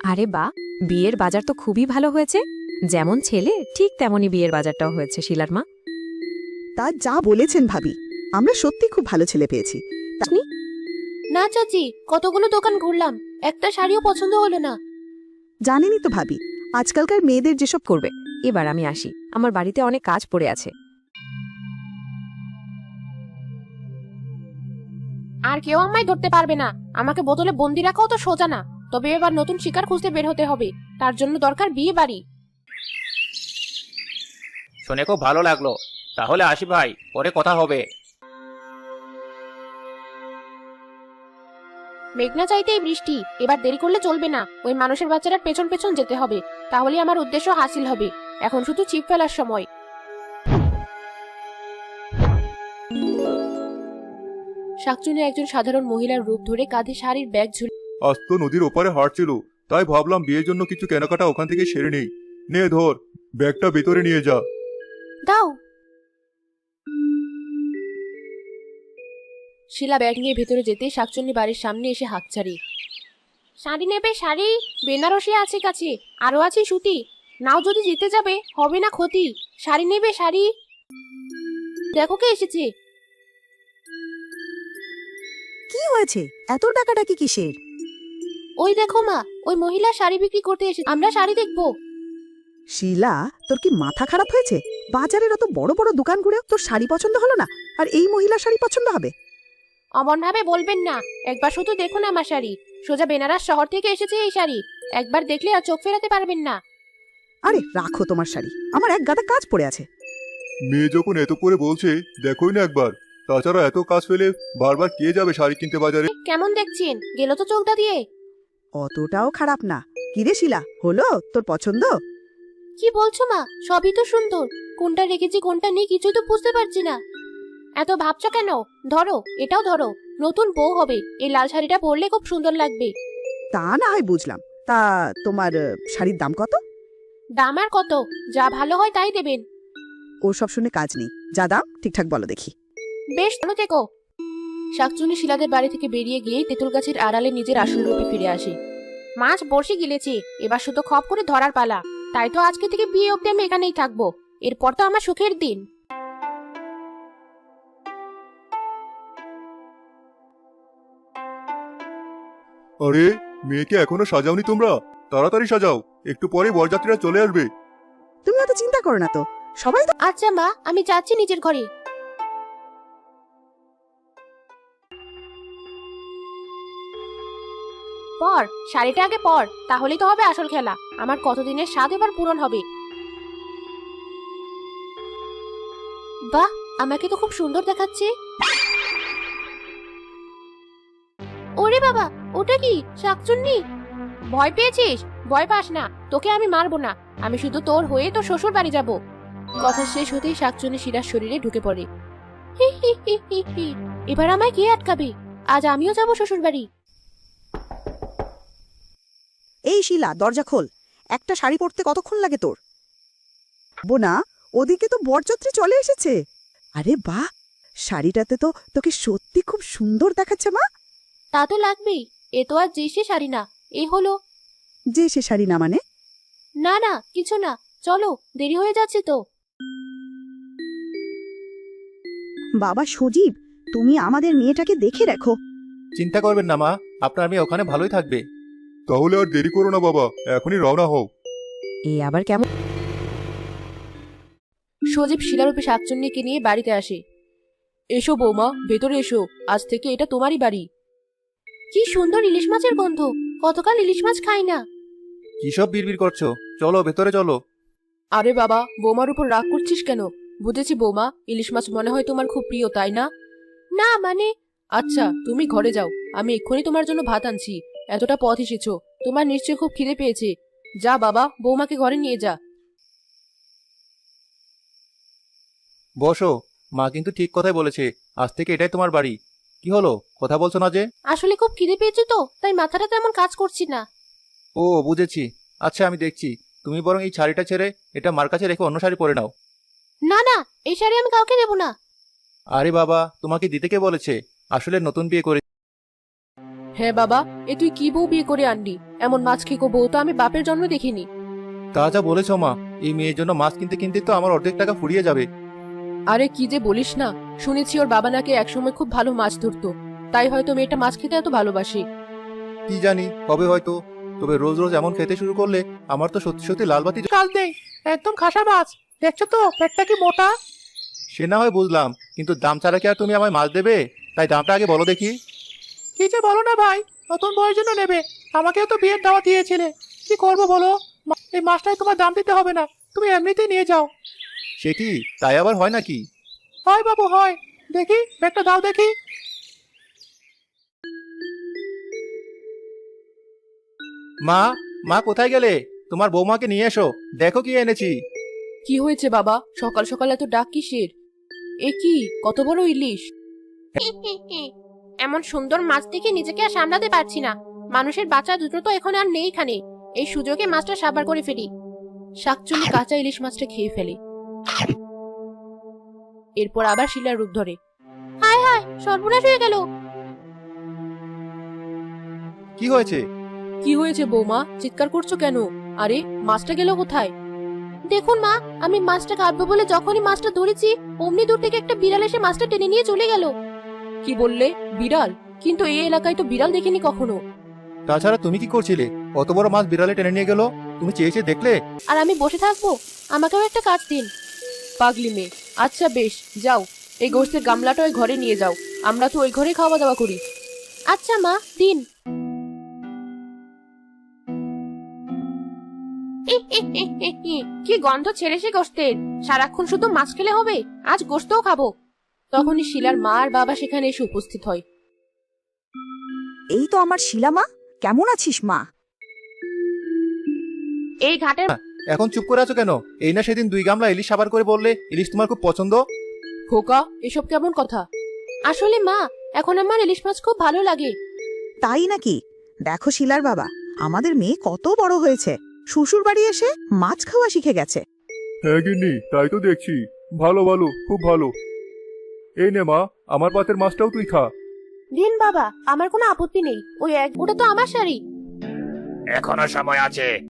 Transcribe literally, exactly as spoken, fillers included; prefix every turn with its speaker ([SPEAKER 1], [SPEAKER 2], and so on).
[SPEAKER 1] আরে বা, বিয়ের বাজার তো খুবই ভালো হয়েছে। যেমন ছেলে ঠিক তেমনই বিয়ের বাজারটাও হয়েছে শিলার মা।
[SPEAKER 2] তা যা বলেছেন ভাবি, আমরা সত্যি খুব ভালো ছেলে পেয়েছি।
[SPEAKER 1] আপনি
[SPEAKER 3] না চাচি, কতগুলো দোকান ঘুরলাম, একটা শাড়িও পছন্দ হলো না।
[SPEAKER 2] জানেনই তো ভাবি, আজকালকার মেয়েদের যেসব
[SPEAKER 1] করবে। এবার আমি আসি, আমার বাড়িতে অনেক কাজ পড়ে আছে।
[SPEAKER 3] আর কেউ আমায় ধরতে পারবে না। আমাকে বোতলে বন্দি রাখাও তো সোজা না। তবে এবার নতুন শিকার খুঁজতে বের হতে হবে। তার জন্য দরকার বিয়ে বাড়ি।
[SPEAKER 4] শুনে খুব ভালো লাগলো। তাহলে আসি ভাই, পরে কথা হবে।
[SPEAKER 3] মেঘনা চাইতেই বৃষ্টি। এবার দেরি করলে চলবে না। ওই মানুষের বাচ্চাটার পেছন পেছন যেতে হবে। তাহলে আমার উদ্দেশ্য হাসিল হবে। এখন শুধু ছিপ ফেলার সময়। শাকচুনি একজন সাধারণ মহিলার রূপ ধরে কাঁধে শাড়ির ব্যাগ ঝুলে।
[SPEAKER 5] আজ তো নদীর ওপারে হাঁটছিল, তাই ভাবলাম বিয়ের জন্য কিছু কেনাকাটা ওখান থেকে সেরে নেই। নে ধর, ব্যাগটা ভেতরে নিয়ে যা।
[SPEAKER 3] দাও। শিলা ব্যাগ নিয়ে ভেতরে যেতে শাকচুন্নি বাড়ির সামনে এসে হাঁকছাড়ি। শাড়ি নেবে শাড়ি? বেনারসি আছে কাছে, আরো আছে সুতি। নাও, যদি জিতে যাবে হবে না ক্ষতি। শাড়ি নেবে শাড়ি? দেখো কে এসেছে।
[SPEAKER 2] কি হয়েছে? এত ডাকাডাকি কিসের?
[SPEAKER 3] ওই দেখো মা, ওই মহিলা শাড়ি বিক্রি করতে এসেছে। আমরা শাড়ি দেখবো।
[SPEAKER 2] শিলা, তোর কি মাথা খারাপ হয়েছে? বাজারের অত বড় বড় দোকান ঘুরেও তোর শাড়ি পছন্দ হলো না, আর এই মহিলার শাড়ি পছন্দ হবে?
[SPEAKER 3] অমন ভাবে বলবেন না। একবার শুধু দেখুন আমার শাড়ি। সোজা বেনারস শহর থেকে এসেছে এই শাড়ি। একবার দেখলে আর চোখ ফেরাতে পারবেন না।
[SPEAKER 2] আরে রাখো তোমার শাড়ি, আমার এক গাদা কাজ পড়ে আছে।
[SPEAKER 5] মেয়ে যখন এত করে বলছে, দেখোই না একবার। তাছাড়া এত কাজ ফেলে বারবার কে যাবে শাড়ি কিনতে বাজারে?
[SPEAKER 3] কেমন দেখছেন? গেল তো চোখটা দিয়ে।
[SPEAKER 2] অতটাও খারাপ না। কিরে শিলা, হলো তোর পছন্দ?
[SPEAKER 3] কি বলছো মা? সবই তো সুন্দর। কোনটা রেখেছি কোনটা নেই কিছুই তো বুঝতে পারছি না। এত ভাবছো কেন? ধরো, এটাও ধরো। নতুন বউ হবে, এই লাল শাড়িটা পরলে খুব সুন্দর লাগবে।
[SPEAKER 2] তা না হয় বুঝলাম। তা তোমার আহ, শাড়ির দাম কত?
[SPEAKER 3] দাম আর কত? যা ভালো হয় তাই দেবেন।
[SPEAKER 2] ওর সব শুনে কাজ নেই, যা দাম ঠিকঠাক বলো দেখি।
[SPEAKER 3] বেশ, ভালো থেকো। শাকচুনি শিলাদের বাড়ি থেকে বেরিয়ে গিয়ে তেঁতুল গাছের আড়ালে নিজের আসল রূপে ফিরে আসে। মাছ বর্ষি গিলেছে, এবার শুধু খপ করে ধরার পালা। তাই তো আজকে থেকে বিয়ে অব্দি আমি এখানেই থাকবো। এরপর তো আমার সুখের দিন।
[SPEAKER 5] আরে, মেয়েকে এখনো সাজাওনি তোমরা? তাড়াতাড়ি সাজাও, একটু পরে বরযাত্রীরা চলে আসবে।
[SPEAKER 2] তুমি অত চিন্তা করো না তো, সবাই তো।
[SPEAKER 3] আচ্ছা মা, আমি যাচ্ছি নিজের ঘরে। পর শাড়িটা আগে পর, তাহলেই তো হবে আসল খেলা। আমার কতদিনের স্বাদ এবার পূরণ হবে। বাহ, আমাকে তো খুব সুন্দর দেখাচ্ছে। ওরে বাবা, ওটা কি? শাকচুন্নি? ভয় পেয়েছিস? ভয় পাস না, তোকে আমি মারবো না। আমি শুধু তোর হয়ে তোর শ্বশুর বাড়ি যাব। কথা শেষ হতেই শাকচুন্নি শিরার শরীরে ঢুকে পড়ে। হি হি হি হি হি। এবার আমায় কে আটকাবে? আজ আমিও যাব শ্বশুর বাড়ি।
[SPEAKER 2] এই শিলা, দরজা খোল। একটা শাড়ি পরতে কতক্ষণ লাগে তোর? বোনা, ওদিকে তো বরযাত্রী চলে এসেছে। আরে বাহ, শাড়িটাতে তো তোকে সত্যি খুব সুন্দর দেখাচ্ছে মা।
[SPEAKER 3] তা তো লাগবেই। এ তো আর যে সে শাড়ি না, এ হলো।
[SPEAKER 2] যে সে শাড়ি না মানে?
[SPEAKER 3] না না, কিছু না। চলো, দেরি হয়ে যাচ্ছে তো।
[SPEAKER 2] বাবা সজীব, তুমি আমাদের মেয়েটাকে দেখে রাখো।
[SPEAKER 4] চিন্তা করবেন না মা, আপনার মেয়ে ওখানে ভালোই থাকবে।
[SPEAKER 5] তাহলে আর দেরি করো না বাবা, এখনই রওনা হও।
[SPEAKER 1] এ আবার কেমন?
[SPEAKER 3] সজীব শিলারূপে শাকচুন্নিকে নিয়ে বাড়িতে আসে। এসো বৌমা, ভেতরে এসো। আজ থেকে এটা তোমারই বাড়ি। কি সুন্দর ইলিশ মাছের গন্ধ। কতকাল ইলিশ মাছ খাই না।
[SPEAKER 4] কিসব বিড়বিড় করছো? চলো ভেতরে চলো।
[SPEAKER 3] আরে বাবা, বৌমার উপর রাগ করছিস কেন? বুঝেছি বৌমা, ইলিশ মাছ মনে হয় তোমার খুব প্রিয়, তাই না? না মানে। আচ্ছা, তুমি ঘরে যাও, আমি এক্ষুনি তোমার জন্য ভাত আনছি। এতটা পথ এসেছো, তোমার নিশ্চয়ই খুব খিদে পেয়েছে। যা বাবা, বৌমাকে ঘরে নিয়ে যা।
[SPEAKER 4] বসো, মা কিন্তু ঠিক কথাই বলেছে। আজ থেকে এটাই তোমার বাড়ি। কি হলো, কথা বলছো না যে?
[SPEAKER 3] আসলে খুব খিদে পেয়েছে তো, তাই মাথাটা তেমন কাজ করছি না।
[SPEAKER 4] ও বুঝেছি। আচ্ছা আমি দেখছি। তুমি বরং এই শাড়িটা ছেড়ে এটা মার কাছে রেখে অন্য শাড়ি পরে নাও।
[SPEAKER 3] না না, এই শাড়ি আমি কাউকে দেবো না।
[SPEAKER 4] আরে বাবা, তোমাকে দিতে কে বলেছে? আসলে নতুন বিয়ে করে।
[SPEAKER 3] হ্যাঁ বাবা, এ তুই কি বউ বিয়ে করে আনলি? এমন মাছ খেকো বউ তো আমি বাপের জন্ম দেখিনি।
[SPEAKER 4] তা যা বলেছ মা, এই মেয়ের জন্য মাছ কিনতে কিনতে তো আমার অর্ধেক টাকা ফুরিয়ে যাবে।
[SPEAKER 3] আরে কি যে বলিস না, শুনেছি ওর বাবা নাকি একসময় খুব ভালো মাছ ধরতো, তাই হয়তো মেয়েটা মাছ খেতে এত ভালোবাসে।
[SPEAKER 4] কি জানি, হবে হয়তো। তবে রোজ রোজ এমন খেতে শুরু করলে আমার তো সত্যি সত্যি লাল বাতি।
[SPEAKER 3] কাল নেই, একদম খাসা মাছ, দেখছো তো পেটটা কি মোটা।
[SPEAKER 4] সে না হয় বুঝলাম, কিন্তু দাম ছাড়া কি আর তুমি আমায় মাছ দেবে? তাই দামটা আগে বলো দেখি।
[SPEAKER 3] কি যে বলো না ভাই, নতুন বউয়ের জন্য নেবে, আমাকেও তো বিয়ের দাওয়াত দিয়েছিলে। কি করবো বলো, এই মাছটাই তোমার দাম দিতে হবে না, তুমি এমনিতেই নিয়ে যাও।
[SPEAKER 4] সে কি, তাই আবার হয় নাকি?
[SPEAKER 3] হয় বাবু হয়, দেখি ব্যাগটা দাও দেখি।
[SPEAKER 4] মা, মা কোথায় গেলে? তোমার বৌমাকে নিয়ে এসো, দেখো কি এনেছি।
[SPEAKER 3] কি হয়েছে বাবা, সকাল সকাল এত ডাক কিসের? এ কি, কত বড় ইলিশ! এমন সুন্দর মাছ দেখে নিজেকে আর সামলাতে পারছি না। মানুষের বাচ্চা দুটো তো এখন আর নেই খানে, এই সুযোগে মাছটা সাবার করে ফেলি। শাকচুনি কাঁচা ইলিশ মাছটা খেয়ে ফেলে, এরপর আবার শিলার রূপ ধরে। হায় হায়, সর্বনাশ হয়ে গেল।
[SPEAKER 4] কি হয়েছে?
[SPEAKER 3] কি হয়েছে বৌমা, চিৎকার করছো কেন? আরে মাছটা গেল কোথায়? দেখুন মা, আমি মাছটা কাটবো বলে যখনই মাছটা ধরেছি, অমনি দূর থেকে একটা বিড়াল এসে মাছটা টেনে নিয়ে চলে গেল। কি বললে, বিড়াল? কিন্তু এই এলাকায় তো বিড়াল দেখিনি কখনো।
[SPEAKER 4] তাছাড়া তুমি কি করছিলে? অত বড় মাছ বিড়ালে টেনে নিয়ে গেল, তুমি চেয়ে চেয়ে দেখলে?
[SPEAKER 3] আর আমি বসে থাকবো? আমাকেও একটা কাজ দিন। পাগলি মেয়ে, আচ্ছা বেশ, যাও এই গোস্তের গামলাটা ওই ঘরে নিয়ে যাও, আমরা তো ওই ঘরে খাওয়া দাওয়া করি। আচ্ছা মা, দিন। কি গন্ধ ছেড়েছে গোস্তের, সারাক্ষণ শুধু মাছ খেলে হবে, আজ গোস্তও খাবো। তখনই শিলার মা আর বাবা সেখানে এসে উপস্থিত হয়।
[SPEAKER 2] এই তো আমার শিলা মা, কেমন আছিস মা?
[SPEAKER 3] এই ঘাটের
[SPEAKER 4] এখন চুপ করে আছো কেন? এই না সেদিন দুই গামলা ইলিশ সাবার করে বললে ইলিশ তোমার খুব পছন্দ।
[SPEAKER 3] খোকা, এসব কেমন কথা? আসলে মা, এখন আমার ইলিশ মাছ খুব ভালো লাগে।
[SPEAKER 2] তাই নাকি? দেখো শিলার বাবা, আমাদের মেয়ে কত বড় হয়েছে, শ্বশুর বাড়ি এসে মাছ খাওয়া শিখে গেছে।
[SPEAKER 5] হ্যাঁ গিন্নি, তাই তো দেখছি। ভালো ভালো, খুব ভালো। এই নে মা, আমার পাতের মাছটাও তুই খা।
[SPEAKER 3] দিন বাবা, আমার কোনো আপত্তি নেই। ওই এক, ওটা তো আমার শাড়ি।
[SPEAKER 6] এখনো সময় আছে,